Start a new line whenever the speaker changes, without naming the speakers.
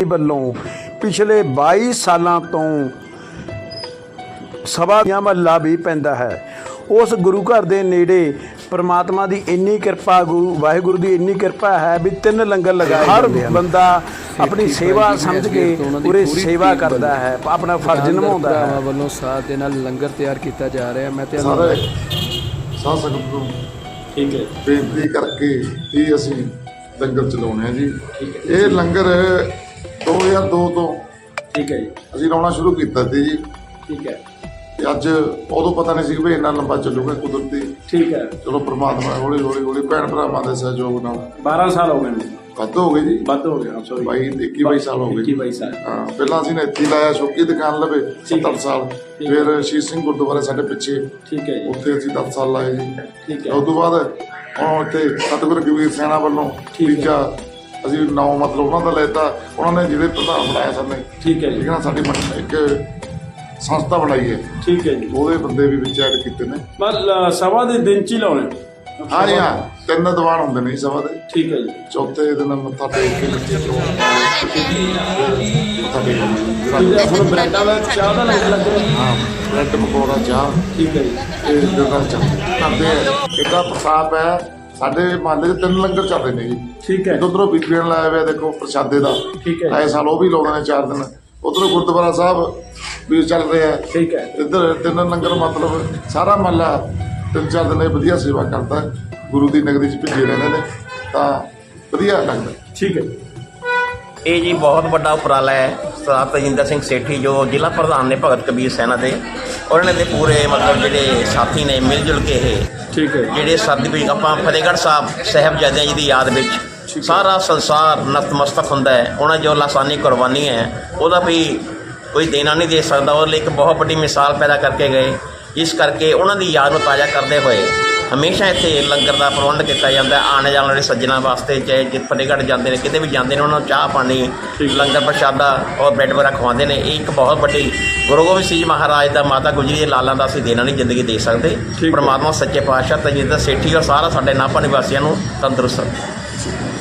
ਵੱਲੋਂ पिछले 22 सालों तो सभा महला भी पैंदा है। उस गुरु घर के नेड़े परमात्मा की इन्नी कृपा, वाहिगुरु की इन्नी कृपा है भी 3 लंगर लगाए। हर बंदा अपनी सेवा समझ के पूरी सेवा करता है, अपना फर्ज निभाता है।
वालों साथ दे नाल लंगर तैयार किया जा रहा है। मैं
सारे साध संगत को
ठीक है
बेनती करके ही असीं लंगर चलाउने जी। ये लंगर 2002 तो
ठीक है जी
ਅਸੀਂ ਲਾਉਣਾ ਸ਼ੁਰੂ ਕੀਤਾ ਸੀ ਜੀ।
ठीक है
ਤੇ ਅੱਜ ਉਦੋਂ ਪਤਾ ਨਹੀਂ ਸੀ ਵੀ ਇੰਨਾ ਲੰਬਾ ਚੱਲੂਗਾ ਕੁਦਰਤੀ।
ठीक है
ਚਲੋ ਪ੍ਰਮਾਤਮਾ ਹੌਲੀ ਹੌਲੀ ਭੈਣ ਭਰਾਵਾਂ ਦੇ ਸਹਿਯੋਗ ਨਾਲ
12 साल हो गए
ਵੱਧ ਹੋ ਗਏ ਜੀ।
बंद हो गया सॉरी
22 ਸਾਲ ਹੋ ਗਏ।
22 साल
ਹਾਂ ਪਹਿਲਾਂ ਅਸੀਂ ਨੇ ਇੱਥੇ ਹੀ ਲਾਇਆ ਸ਼ੌਕੀ ਦੁਕਾਨ ਲਵੇ 70 ਸਾਲ। ਫਿਰ ਸ਼ੀਸ਼ ਸਿੰਘ ਗੁਰਦੁਆਰੇ ਸਾਡੇ ਪਿੱਛੇ
ठीक है जी
ਉੱਥੇ ਅਸੀਂ 10 ਸਾਲ ਲਾਏ ਜੀ।
ठीक है
ਉਸ ਤੋਂ ਬਾਅਦ ਹੁਣ ਇੱਥੇ ਸਤਿਗੁਰੂ ਕਬੀਰ ਸੈਨਾ ਵੱਲੋਂ ਤੀਜਾ ਅਸੀਂ ਨਾਮ ਮਤਲਬ ਉਹਨਾਂ ਦਾ ਲੈਤਾ। ਉਹਨਾਂ ਨੇ ਜਿਹੜੇ ਪ੍ਰਧਾਨ ਬਣਾਇਆ ਸਾਨੂੰ
ठीक है जी
ਠੀਕ ਹੈ ਨਾ, ਸਾਡੀ ਇੱਕ ਸੰਸਥਾ ਬਣਾਈ ਹੈ।
ठीक है जी
ਉਹਦੇ ਬੰਦੇ ਵੀ ਵਿੱਚ ਐਡ ਕੀਤੇ ਨੇ।
मतलब सभा ਦੇ ਦਿਨ ਚ ਹੀ ਲਾਉਣੇ।
ਹਾਂ ਜੀ ਹਾਂ, 3 ਦੀਵਾਨ ਹੁੰਦੇ ਨੇ ਜੀ ਸਭਾ ਦੇ।
ठीक है जी
ਚੌਥੇ ਦਿਨ ਮੱਥਾ ਟੇਕ ਕੇ ਮੱਥਾ ਟੇਕ
ਜਿਹੜਾ ਹੁਣ ਬ੍ਰੈਡਾਂ ਦਾ ਚਾਹ ਦਾ ਲੰਗਰ ਲੱਗ ਰਿਹਾ।
ਹਾਂ ਬ੍ਰੈਡ ਪਕੌੜਾ ਚਾਹ
ठीक है जी
ਇਹ ਦਿਨਾਂ ਚ ਕਰਦੇ ਆ। ਇਹਦਾ ਪ੍ਰਸਾਦ ਹੈ ਸਾਡੇ ਮਹੱਲੇ 'ਚ 3 ਲੰਗਰ ਚੱਲਦੇ ਨੇ ਜੀ।
ठीक है
ਉਧਰੋਂ ਬੀਬੀਆਂ ਨੇ ਲਾਇਆ ਹੋਇਆ ਦੇਖੋ ਪ੍ਰਸ਼ਾਦੇ ਦਾ।
ठीक है
ਆਏ ਸਾਲ ਉਹ ਵੀ ਲਾਉਂਦੇ ਨੇ 4 ਦਿਨ। ਉਧਰੋਂ ਗੁਰਦੁਆਰਾ ਸਾਹਿਬ ਵੀ ਚੱਲ ਰਿਹਾ।
ठीक है
ਇੱਧਰ 3 ਲੰਗਰ ਮਤਲਬ ਸਾਰਾ ਮਹੱਲਾ 3-4 ਦਿਨ ਇਹ ਵਧੀਆ ਸੇਵਾ ਕਰਦਾ। ਗੁਰੂ ਦੀ ਨਗਰੀ 'ਚ ਭਿੱਜੇ ਰਹਿੰਦੇ ਨੇ ਤਾਂ ਵਧੀਆ ਲੱਗਦਾ।
ठीक है
ਇਹ ਜੀ ਬਹੁਤ ਵੱਡਾ ਉਪਰਾਲਾ ਹੈ ਸਰਦਾਰ ਤਜਿੰਦਰ ਸਿੰਘ ਸੇਠੀ ਜੋ ਜ਼ਿਲ੍ਹਾ ਪ੍ਰਧਾਨ ਨੇ ਭਗਤ ਕਬੀਰ ਸੈਨਾ ਦੇ। ਉਹਨਾਂ ਦੇ ਪੂਰੇ ਮਤਲਬ ਜਿਹੜੇ ਸਾਥੀ ਨੇ ਮਿਲ ਜੁਲ ਕੇ ਇਹ
ठीक है
ਜਿਹੜੇ ਸਰਟੀਫਿਕੇਟ ਆਪਾਂ ਫਤਿਹਗੜ੍ਹ ਸਾਹਿਬ ਸਾਹਿਬਜ਼ਾਦਿਆਂ ਜੀ ਦੀ ਯਾਦ ਵਿੱਚ ਸਾਰਾ ਸੰਸਾਰ ਨਤਮਸਤਕ ਹੁੰਦਾ ਹੈ। ਉਹਨਾਂ ਜੋ ਲਾਸਾਨੀ ਕੁਰਬਾਨੀ ਹੈ ਉਹਦਾ ਵੀ ਕੋਈ ਦੇਣਾ ਨਹੀਂ ਦੇ ਸਕਦਾ। ਉਹਦੇ ਲਈ ਇੱਕ ਬਹੁਤ ਵੱਡੀ ਮਿਸਾਲ ਪੈਦਾ ਕਰਕੇ ਗਏ। ਇਸ ਕਰਕੇ ਉਹਨਾਂ ਦੀ ਯਾਦ ਨੂੰ ਤਾਜ਼ਾ ਕਰਦੇ ਹੋਏ ਹਮੇਸ਼ਾ ਇੱਥੇ ਲੰਗਰ ਦਾ ਪ੍ਰਬੰਧ ਕੀਤਾ ਜਾਂਦਾ। ਆਉਣ ਜਾਣ ਵਾਲੇ ਸੱਜਣਾਂ ਵਾਸਤੇ ਚਾਹੇ ਜੇ ਫਤਿਹਗੜ੍ਹ ਜਾਂਦੇ ਨੇ ਕਿਤੇ ਵੀ ਜਾਂਦੇ ਨੇ ਉਹਨਾਂ ਨੂੰ ਚਾਹ ਪਾਣੀ ਲੰਗਰ ਪ੍ਰਸ਼ਾਦਾ ਔਰ ਬ੍ਰੈਡ ਵਗੈਰਾ ਖਵਾਉਂਦੇ ਨੇ। ਇਹ ਇੱਕ ਬਹੁਤ ਵੱਡੀ ਗੁਰੂ ਗੋਬਿੰਦ ਸਿੰਘ ਜੀ ਮਹਾਰਾਜ ਦਾ ਮਾਤਾ ਗੁਜਰੀ ਦੇ ਲਾਲਾਂ ਦਾ ਅਸੀਂ ਦੇਣਾ ਨਹੀਂ ਜ਼ਿੰਦਗੀ ਦੇ ਸਕਦੇ। ਪਰਮਾਤਮਾ ਸੱਚੇ ਪਾਤਸ਼ਾਹ ਤਜਿੰਦਰ ਸੇਠੀ ਔਰ ਸਾਰਾ ਸਾਡੇ ਨਾਭਾ ਨਿਵਾਸੀਆਂ ਨੂੰ ਤੰਦਰੁਸਤ ਰੱਖੇ।